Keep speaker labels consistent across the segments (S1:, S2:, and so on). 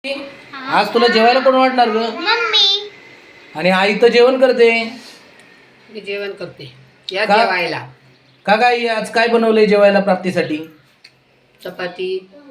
S1: आज तुला जेवायला कोण वाटणार ग?
S2: मम्मी.
S1: आणि आई तर जेवण करते.
S3: मी जेवण करते या
S1: का?
S3: जेवायला.
S1: का काय आज काय बनवलंय जेवायला प्राप्तीसाठी?
S3: चपाती,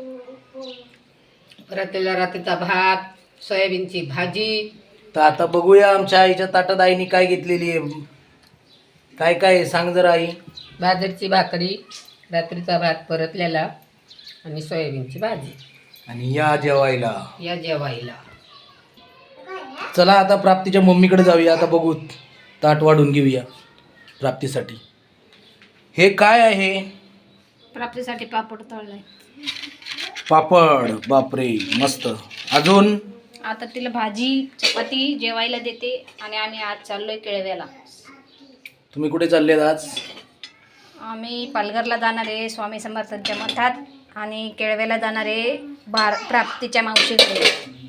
S3: रात्रीचा भात, सोयाबीनची भाजी.
S1: तर आता बघूया आमच्या आईच्या ताटात आईने काय घेतलेली आहे. काय काय आहे? सांग जरा आई.
S3: बाजरीची भाकरी, रात्रीचा भात परतलेला आणि सोयाबीनची भाजी.
S1: आणि या जेवायला.
S3: या जेवायला.
S1: चला आता प्राप्तीच्या मम्मीकडे जाऊया. आता बघू ताट वाढून घेऊया प्राप्तीसाठी. हे काय आहे?
S2: प्राप्तीसाठी पापड तळलाय.
S1: पापड. बापरे मस्त. अजून
S2: आता तिला भाजी चपाती जेवायला देते आणि आम्ही आज चाललोय केळव्याला.
S1: तुम्ही कुठे चाललेत आज?
S2: आम्ही पालघरला जाणार आहे स्वामी समर्थांच्या मठात आणि केळव्याला जाणार आहे प्राप्तीच्या मावशीकडे.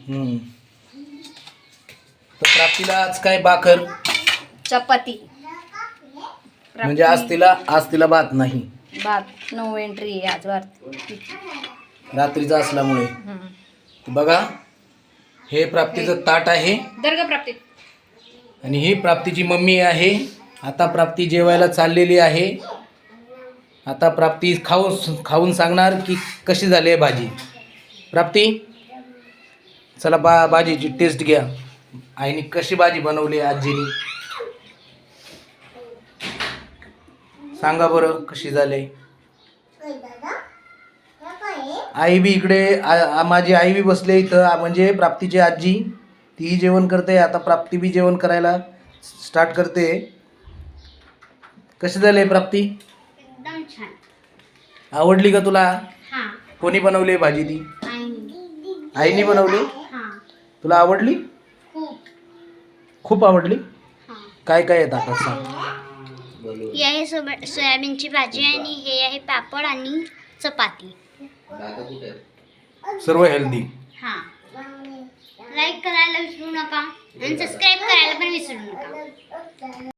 S1: तर प्राप्तीला आज काय भाकर
S2: चपाती.
S1: म्हणजे आज तिला भात नाही.
S2: भात. नो एंट्री आहे आज भात.
S1: रात्रीचा असल्यामुळे. बघा हे प्राप्तीचं ताट आहे
S2: दर्ग प्राप्ती.
S1: आणि ही प्राप्तीची मम्मी आहे. आता प्राप्ती जेवायला चाललेली आहे. आता प्राप्ती खाऊन सांगणार की कशी झाली आहे भाजी. प्राप्ती चला भाजीची टेस्ट घ्या. आईने कशी भाजी बनवली आजीनी सांगा बरं कशी झाली. आई बी इकडे माझी आई बी बसले इथं. म्हणजे प्राप्तीची आजी तीही जेवण करते. आता प्राप्ती बी जेवण करायला स्टार्ट करते. कशी झाली प्राप्ती?
S2: एकदम छान.
S1: आवडली का तुला?
S2: हां.
S1: कोणी बनवली भाजी ती? आईने बनवली.
S2: हां.
S1: तुला आवडली? खूप आवडली.
S2: हां.
S1: काय काय येतं आता सांग.
S2: ही आहे सोयाबीनची भाजी आणि हे आहे पापड आणि चपाती.
S1: सर्व हेल्दी.
S2: हां. लाईक करायला विसरू नका आणि सबस्क्राईब करायला पण विसरू नका.